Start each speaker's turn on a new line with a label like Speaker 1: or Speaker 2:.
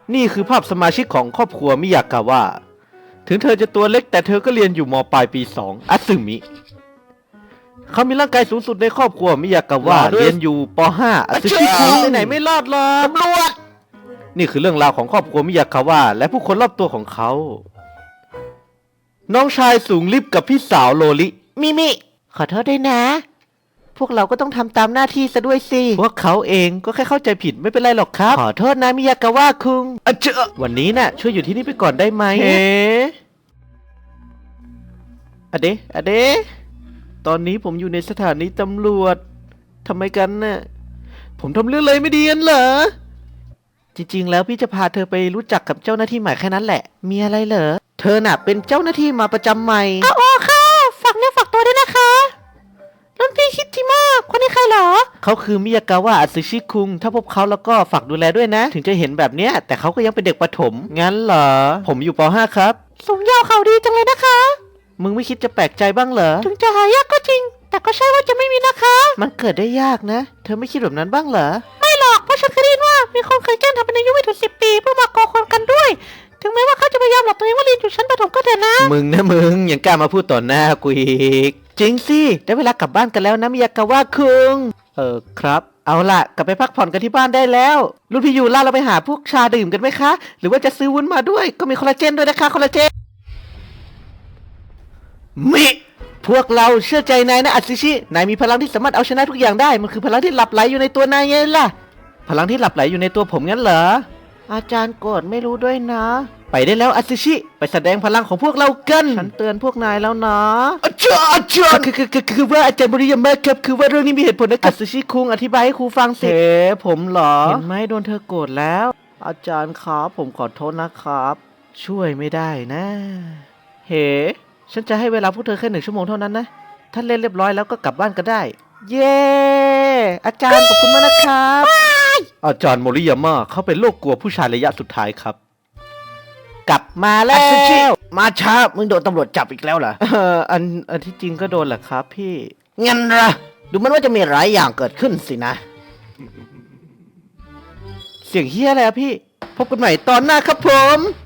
Speaker 1: นี่คือภาพสมาชิกของครอบครัวมิยากาวะถึงเธอจะตัวเล็กแต่เธอก็เรียนอยู่ม.ปลายปี2อัตสึมิ เขามีร่างกายสูงสุดในครอบครัวมิยากาวะเรียนอยู่ป .5 อัตสึมิคุไปไหนไม่รอดหรอกตำรวจนี่คือเรื่องราวของครอบครัวมิยากาวะและผู้คนรอบตัวของเขา น้องชายสูงลิบกับพี่สาวโลลิมิขอโทษด้วยนะ พวกเราก็ต้องทำตามหน้าที่ซะด้วยสิพวกเขาเองก็แค่เข้าใจผิดไม่เป็นไรหรอกครับขอโทษนะมิยากาวะคุงวันนี้น่ะช่วยอยู่ที่นี่ไปก่อนได้ไหมอะเดตอนนี้ผมอยู่ในสถานีตำรวจทำไมกันน่ะผมทำเรื่องอะไรไม่ดีกันเหรอจริงๆแล้วพี่จะพาเธอไปรู้จักกับเจ้าหน้าที่ใหม่แค่นั้นแหละมีอะไรเหรอเธอน่ะเป็นเจ้าหน้าที่มาประจำใหม่อ๋อค่ะฝากเนื้อฝากตัวด้วยนะคะรุ่นพี่คิดที่มากคนนี้ใครเหรอเขาคือมิยากาวะอัตสึชิคุงถ้าพบเขาแล้วก็ฝากดูแลด้วยนะถึงจะเห็นแบบเนี้ยแต่เขาก็ยังเป็นเด็กประถมงั้นเหรอผมอยู่ป .5 ครับสูงยาวเขาดีจังเลยนะคะมึงไม่คิดจะแปลกใจบ้างเหรอถึงจะหายากก็จริงแต่ก็ใช่ว่าจะไม่มีนะคะมันเกิดได้ยากนะเธอไม่คิดแบบนั้นบ้างเหรอไม่หรอกเพราะฉันเคยได้ยินว่ามีคนเคยแกล้งทำเป็นอายุไม่ถึง10 ปีเพื่อมาก่อคนกันด้วยถึงแม้ว่าเขาจะพยายามหลอกตัวเองว่าเรียนอยู่ชั้นประถมก็เถอะนะมึงยังกล้ามาพูดต่อหน้ากูอีกจริงสิได้เวลากลับบ้านกันแล้วนะมิยากาวะคุงครับเอาล่ะกลับไปพักผ่อนกันที่บ้านได้แล้วรุ่นพี่ยูล่าเราไปหาพวกชาดื่มกันไหมคะหรือว่าจะซื้อวุ้นมาด้วยก็มีคอลลาเจนด้วยนะคะคอลลาเจนพวกเราเชื่อใจนายนะอัตสึชินายมีพลังที่สามารถเอาชนะทุกอย่างได้มันคือพลังที่หลับไหลอยู่ในตัวนายไงล่ะพลังที่หลับไหลอยู่ในตัวผมงั้นเหรออาจารย์โกรธไม่รู้ด้วยนะไปได้แล้วอัตสึชิไปแสดงพลังของพวกเรากันฉันเตือนพวกนายแล้วนะอาจารย์คือว่าอาจารย์บริยามะครับคือว่าเรื่องนี้มีเหตุผลนะอัตสึชิคุงอธิบายให้ครูฟังสิผมเหรอเห็นไหมโดนเธอโกรธแล้วอาจารย์ครับผมขอโทษนะครับช่วยไม่ได้นะฉันจะให้เวลาพวกเธอแค่1 ชั่วโมงเท่านั้นนะถ้าเล่นเรียบร้อยแล้วก็กลับบ้านกันได้เย้อาจารย์ขอบคุณมากนะครับอาจารย์โมริยามะเขาเป็นโรคกลัวผู้ชายระยะสุดท้ายครับกลับมาแล้วมาช้ามึงโดนตำรวจจับอีกแล้วเหรออันที่จริงก็โดนแหละครับพี่งั้นเหรอดูมันว่าจะมีหลายอย่างเกิดขึ้นสินะเสียงเฮียอะไรอะพี่พบกันใหม่ตอนหน้าครับผม